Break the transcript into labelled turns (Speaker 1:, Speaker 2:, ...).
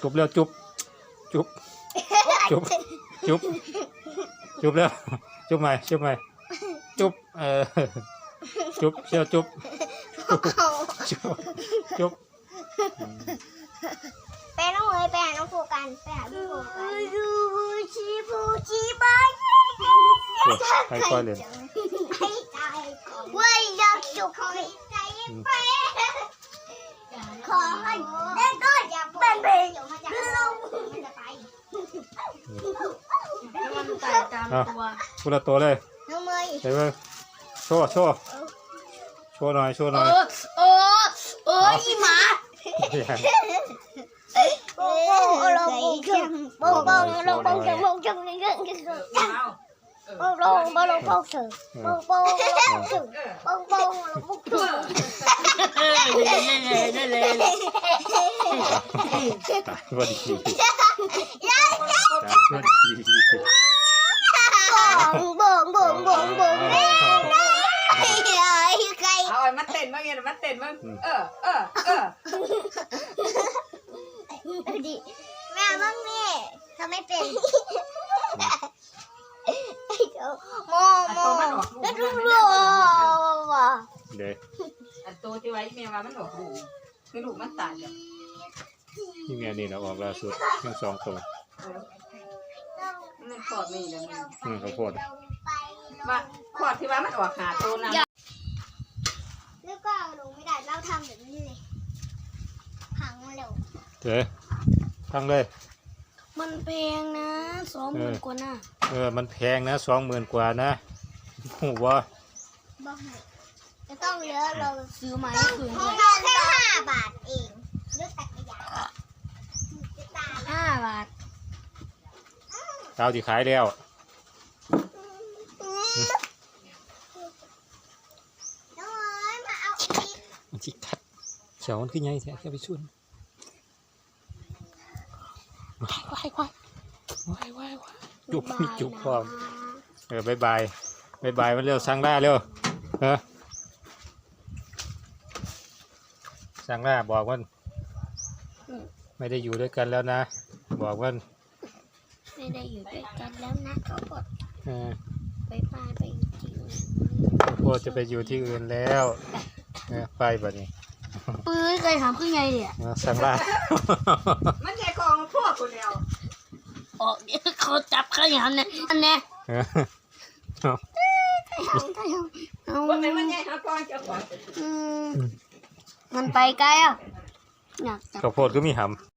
Speaker 1: จุบแล้วจุบจุบจุบจุบจุบแล้วจุบใหม่จุบใหม่จุบจุบเชี่ยวจุบจุบจุบ
Speaker 2: ไปน้องเลยไปหาน้องโฟกันไปหาพี่โฟกันดูชีบูชีบาย
Speaker 1: ใครค่อยเล่น
Speaker 2: ให้ตายว่าอยากสุขให้ใจไปขอให้ได้ก็อย่าเป็นเพลงลง
Speaker 3: มันไต่ตามตัว
Speaker 1: พูดละตัวเลย
Speaker 2: น้องเมย์
Speaker 1: เดี๋ยวโชว์โชว์โชว์หน่อยโชว์หน่อย
Speaker 3: อีหมา
Speaker 2: โป้งลงโป้งโป้งลงโป้งจังโป้งจังนี่ก็โป้งลงโป้งลงโป้งเสือโป้งโป้งลงโป้งเสือโป้งโป้งลงโป้งเสือ
Speaker 1: สวัสดีสวัสดี
Speaker 2: บ่งบ่งบ่งบ่งใคร
Speaker 3: เอาไอ้มาเต้นบ้างไงมาเต้นบ้าง
Speaker 2: ดิแม่บ้างแม่ทำไม่เป็นโมโมก็รู้ว่า
Speaker 1: เดี๋ยว
Speaker 3: อันตัวที่ไว้แม่ว่ามันหลอกลูกคือลูกมันตายอ่ะ
Speaker 1: นี่ไงนี่เราออกล่าสุดทั้งสองตัว
Speaker 3: มันขอดนี่แล้วมัน
Speaker 1: ข้าวโพด
Speaker 3: ว่าขอดที่ว่ามันออกหาตัวนั้น
Speaker 2: แล้วก็ลงไม่ได้เราทำแบบนี้เลยพังเร็ว
Speaker 1: เดี๋ยวทั้งเลย
Speaker 3: มันแพงนะ20,000 กว่าน่ะ
Speaker 1: มันแพงนะ20,000 กว่านะหูว่า
Speaker 2: บอกให้จะต้องเยอะเรา
Speaker 3: ซื้อมา
Speaker 2: ต้
Speaker 3: ให้
Speaker 2: อง
Speaker 3: คืน
Speaker 2: เรา
Speaker 3: ด้วย
Speaker 2: แค่5 บาทเองด้วยจักรยานจะตาย
Speaker 3: 5 บาท
Speaker 1: เจ้าที่ขายแล้ว
Speaker 2: น้อยมาเอาอีก
Speaker 1: มันจิกัดเขียวมันขึ้นไงแท้แค่ไปชุนว้ายจุบมีจุบพร้อมบายบายมันเร็วสั่งล่าเร็วสั่งล่าบอกมันไม่ได้อยู่ด้วยกันแล้วนะบอกมัน
Speaker 2: ไม่ได้อยู่ด้วยกันแล้วนะเขาบอก ไปจริง
Speaker 1: โพดจะไปอยู่ที่อื่นแล้วไปแบบนี้
Speaker 3: ปื้ยเคยถามขึ้นไงเนี่ย
Speaker 1: สั่งล่า
Speaker 3: มันแค่ของพวกคนเดียวออกเดี๋ยวเขาจับขยำเนี่ยอันเนี้ยเอา
Speaker 4: ว่ามันใหญ่ครับก่อนจะก่อน
Speaker 3: มันไปไกลอ่ะอยากจับ
Speaker 1: ข้าวโพดก็มีหำ